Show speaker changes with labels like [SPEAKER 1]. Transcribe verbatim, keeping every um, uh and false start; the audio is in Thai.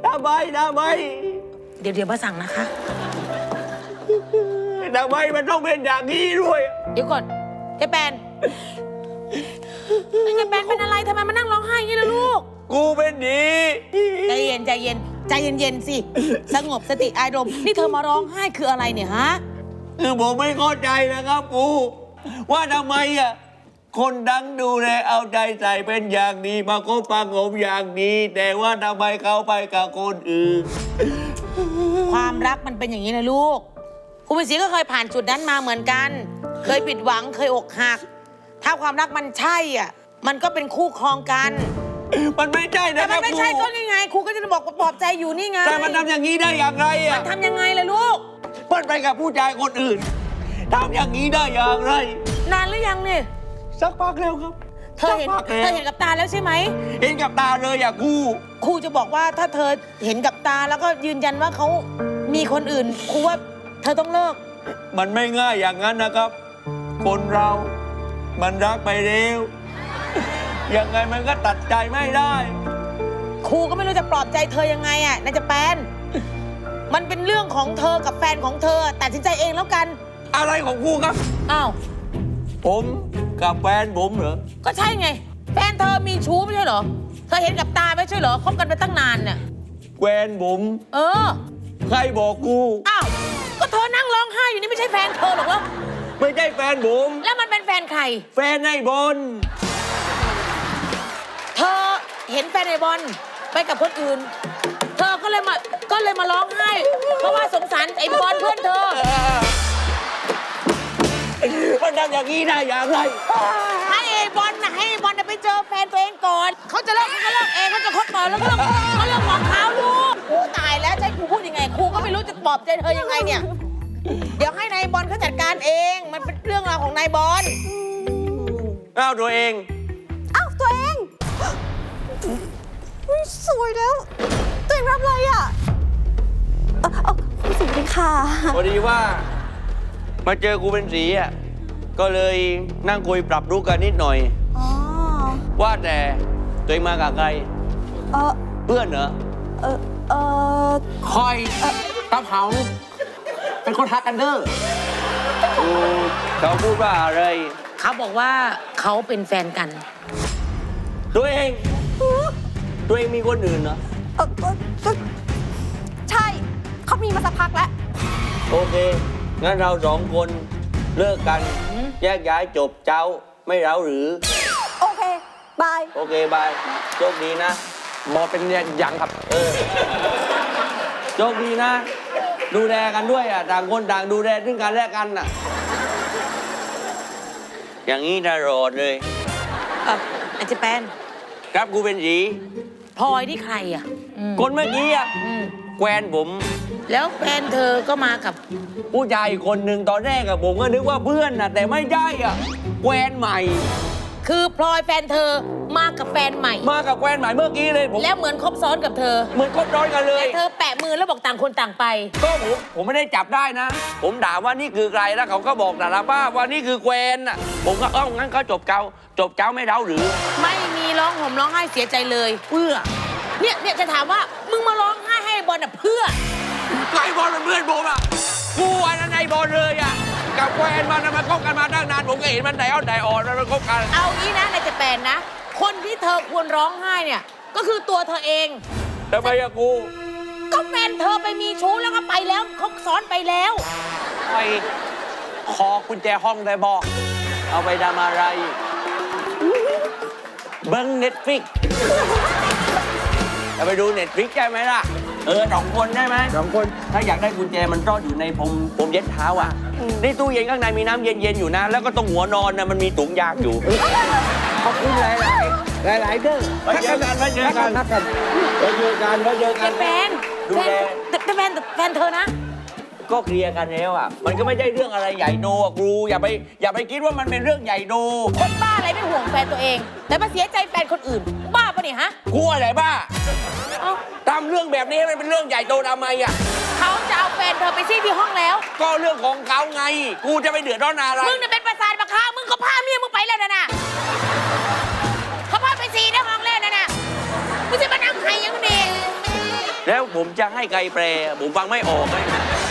[SPEAKER 1] ทำไมทำไม
[SPEAKER 2] เดี๋ยวเดี๋ยวมาสั่งนะคะ
[SPEAKER 1] ทำไมมันต้องเป็นอย่างนี้ด้วย
[SPEAKER 2] เดี๋ยวก่อนเจ๊แปนเจ๊แปนเป็นอะไรทำไมมานั่งร้องไห้อย่างนี้ล่ะลูก
[SPEAKER 1] กูเป็นดี
[SPEAKER 2] ใจเย็นใจเย็นใจเย็นๆสิสงบสติอารมณ์นี่เธอมาร้องไห้คืออะไรเนี่ยฮะ
[SPEAKER 1] คือผมไม่เข้าใจนะครับกูว่าทำไมอ่ะคนดังดูแลเอาใจใส่เป็นอย่างดีมาก็ปังงมอย่างนี้แต่ว่าทำไมเขาไปกับคนอื่น
[SPEAKER 2] ความรักมันเป็นอย่างนี้นะลูกคุณเป็นศรีก็เคยผ่านจุดนั้นมาเหมือนกันเคยผิดหวังเคยอกหักถ้าความรักมันใช่อ่ะมันก็เป็นคู่ครองกัน
[SPEAKER 1] มันไม่ใช่นะ
[SPEAKER 2] แต่มันไม่ใช่ก็ยังไงครูก็จะบอกปลอบใจอยู่นี่ไง
[SPEAKER 1] แต่มันทำอย่างนี้ได้อย่างไรอ่ะ
[SPEAKER 2] มันทำยังไงล่ะลูก
[SPEAKER 1] เปิ้ลไปกับผู้ชายคนอื่นทำอย่างนี้ได้อย่างไร
[SPEAKER 2] นานหรือยังเนี่ย
[SPEAKER 1] สักพักแล้วครับ
[SPEAKER 2] เธอเห็นเธอเห็นกับตาแล้วใช่ไหม
[SPEAKER 1] เห็นกับตาเลยอ่ะครู
[SPEAKER 2] ครูจะบอกว่าถ้าเธอเห็นกับตาแล้วก็ยืนยันว่าเขามีคนอื่นครูว่าเธอต้องเลิก
[SPEAKER 1] มันไม่ง่ายอย่างนั้นนะครับคนเรามันรักไปเร็วยังไงมันก็ตัดใจไม่ได้
[SPEAKER 2] ครูก็ไม่รู้จะปลอบใจเธอยังไงอ่ะนายจะแปนมันเป็นเรื่องของเธอกับแฟนของเธอตัดสินใจเองแล้วกัน
[SPEAKER 1] อะไรของครูครับ
[SPEAKER 2] อ้าว
[SPEAKER 1] ผมกับแฟนผมเหรอ
[SPEAKER 2] ก็ใช่ไงแฟนเธอมีชู้ไม่ใช่เหรอเธอเห็นกับตาไม่ใช่เหรอคบกันไปตั้งนานเนี่ย
[SPEAKER 1] แฟนผม
[SPEAKER 2] เออ
[SPEAKER 1] ใครบอกกู
[SPEAKER 2] อ้าวก็เธอนั่งร้องไห้อยู่นี่ไม่ใช่แฟนเธอหรอกเหรอ
[SPEAKER 1] ไม่ใช่แฟนผม
[SPEAKER 2] แล้วมันเป็นแฟนใคร
[SPEAKER 1] แฟนไอ้บอล
[SPEAKER 2] เธอเห็นแฟนไอ้บอลไปกับคนอื่นเธอก็เลยมาก็เลยมาร้องไห้เพราะว่าสงสารไอ้บอลเพื่อนเธอ
[SPEAKER 1] มันทำอย่างนี้ได้อย่างไร
[SPEAKER 2] ให้ไอ้บอลนะให้ไอ้บอลไปเจอแฟนตัวเองก่อนเขาจะเลิกเขาก็เลิกเองเขาจะคบก่อนแล้วก็เลิกเขาเลิกของเขาลูกครูตายแล้วใช่ครูพูดยังไงครูก็ไม่รู้จะปลอบใจเธอยังไงเนี่ยเดี๋ยวให้นายบอลเขาจัดการเองมันเป็นเรื่องราวของนายบอล
[SPEAKER 1] อ้าวตัวเอง
[SPEAKER 3] อ้าวตัวเองสวยแล้วตัวเองรับอะไรอ่ะเออเออคุณสีค่ะ
[SPEAKER 1] พอดีว่ามาเจอกูเป็นสีอ่ะก็เลยนั่งคุยปรับรู้กันนิดหน่อยอ๋อว่าแต่ตัวเองมากับใครเออเพื่อนเหรอ
[SPEAKER 3] เออเออ
[SPEAKER 1] คอยตาเผาเป็นคนทักกันเด้อกูเขาพูดว่าอะไร
[SPEAKER 2] เขาบอกว่าเขาเป็นแฟนกัน
[SPEAKER 1] ตัวเองตัวเองมีคนอื่นเหรอ
[SPEAKER 3] เออใช่เขามีมาสักพักแล้ว
[SPEAKER 1] โอเคงั้นเราสองคนเลิกกันแยกย้ายจบเจ้าไม่เร้าหรือ
[SPEAKER 3] โอเคบาย
[SPEAKER 1] โอเคบายโชคดีนะบอเป็นยังครับเออโชคดีนะดูแลกันด้วยอ่ะต่างคนต่างดูแลซึ่งกันและกันอ่ะอย่างนี้ตลอดเลย
[SPEAKER 2] อ่ะอาจจะแปน
[SPEAKER 1] ครับกูเป็นสี
[SPEAKER 2] พลอยที่ใครอ่ะ
[SPEAKER 1] คนเมื่อกี้อ่ะแควนผม
[SPEAKER 2] แล้วแฟนเธอก็มากับ
[SPEAKER 1] ผู้ชายอีกคนหนึ่งตอนแรกอะผมก็นึกว่าเพื่อนนะแต่ไม่ใช่อะแควนใหม่
[SPEAKER 2] คือพลอยแฟนเธอมากับแฟนใหม่
[SPEAKER 1] มากับแควนใหม่เมื่อกี้เลยผม
[SPEAKER 2] แล้วเหมือนคบซ้อนกับเธอ
[SPEAKER 1] เหมือนคบซ้อนกันเลย
[SPEAKER 2] แต่เธอแปะมือแล้วบอกต่างคนต่างไป
[SPEAKER 1] ก็ผมผมไม่ได้จับได้นะผมถามว่านี่คือใครแล้วเขาก็บอกแต่ละป้าว่านี่คือแควนอะผมก็เอ้างั้นเขาจบเจ้าจบเจ้าไม่เล่าหรือ
[SPEAKER 2] ไม่มีร้องห่มร้องไห้เสียใจเลยเพื่อเนี่ยเนี่ยจะถามว่ามึงมาร้องไห้ให้บอลอะเพื่อ
[SPEAKER 1] ไอ้บอลเป็นเพื่อนผมอ่ะกูอันนั้นไอ้บอลเลยอ่ะกับแฟนมันมันคบกันมาตั้งนานผมก็เห็นมันไหนอ่อนไหนอ่อนมันคบกัน
[SPEAKER 2] เอางี้นะในจะแปลนนะคนที่เธอควรร้องไห้เนี่ยก็คือตัวเธอเอง
[SPEAKER 1] ทำไมอะกู
[SPEAKER 2] ก็แฟนเธอไปมีชู้แล้วก็ไปแล้วเขาซ้อนไปแล้ว
[SPEAKER 1] ไปขอกุญแจห้องได้บอกเอาไปทำอะไรเบิ้งเน็ตฟลิกจะไปดูเน็ตฟลิกใช่ไหมล่ะเออสองคนได้ไหมสองคนถ้าอยากได้กุญแจมันซ่อนอยู่ในผมผมเย็ดเท้าอ่ะนี่ตู้เย็นข้างในมีน้ำเย็นๆอยู่นะแล้วก็ตรงหัวนอนนะมันมีถุงยางอยู่ขอบคุณหลายหลายหลายๆเด้อไปเจอกันไปเจอกันไปเจอกันไปเจอกัน
[SPEAKER 2] แฟนดูแลแต่แฟนแฟนเธอนะ
[SPEAKER 1] ก็เคลียร์กันแล้วอ่ะมันก็ไม่ใช่เรื่องอะไรใหญ่โตอ่ะครูอย่าไปอย่าไปคิดว่ามันเป็นเรื่องใหญ่โต
[SPEAKER 2] คนบ้าอะไรไม่ห่วงแฟนตัวเองแต่มาเสียใจแฟนคนอื่นบ้าปะเนี่ยฮะ
[SPEAKER 1] กูอะไรบ้าทำเรื่องแบบนี้ให้มันเป็นเรื่องใหญ่โตทำไมอ่ะ
[SPEAKER 2] เขาจะเอาแฟนเธอไปซี่ที่ห้องแล้ว
[SPEAKER 1] ก็เรื่องของเขาไงกูจะไปเดือดร้อนอะไร
[SPEAKER 2] มึงเนี่ยเป็นประสาทปะคะมึงก็พาเมียมึงไปแล้วนะน่ะเขาพาไปซี่ในห้องแล้วนะน่ะมึงจะมานั่งใครยังดี
[SPEAKER 1] แล้วผมจะให้ไกลแปล ผมฟังไม่ออกเลย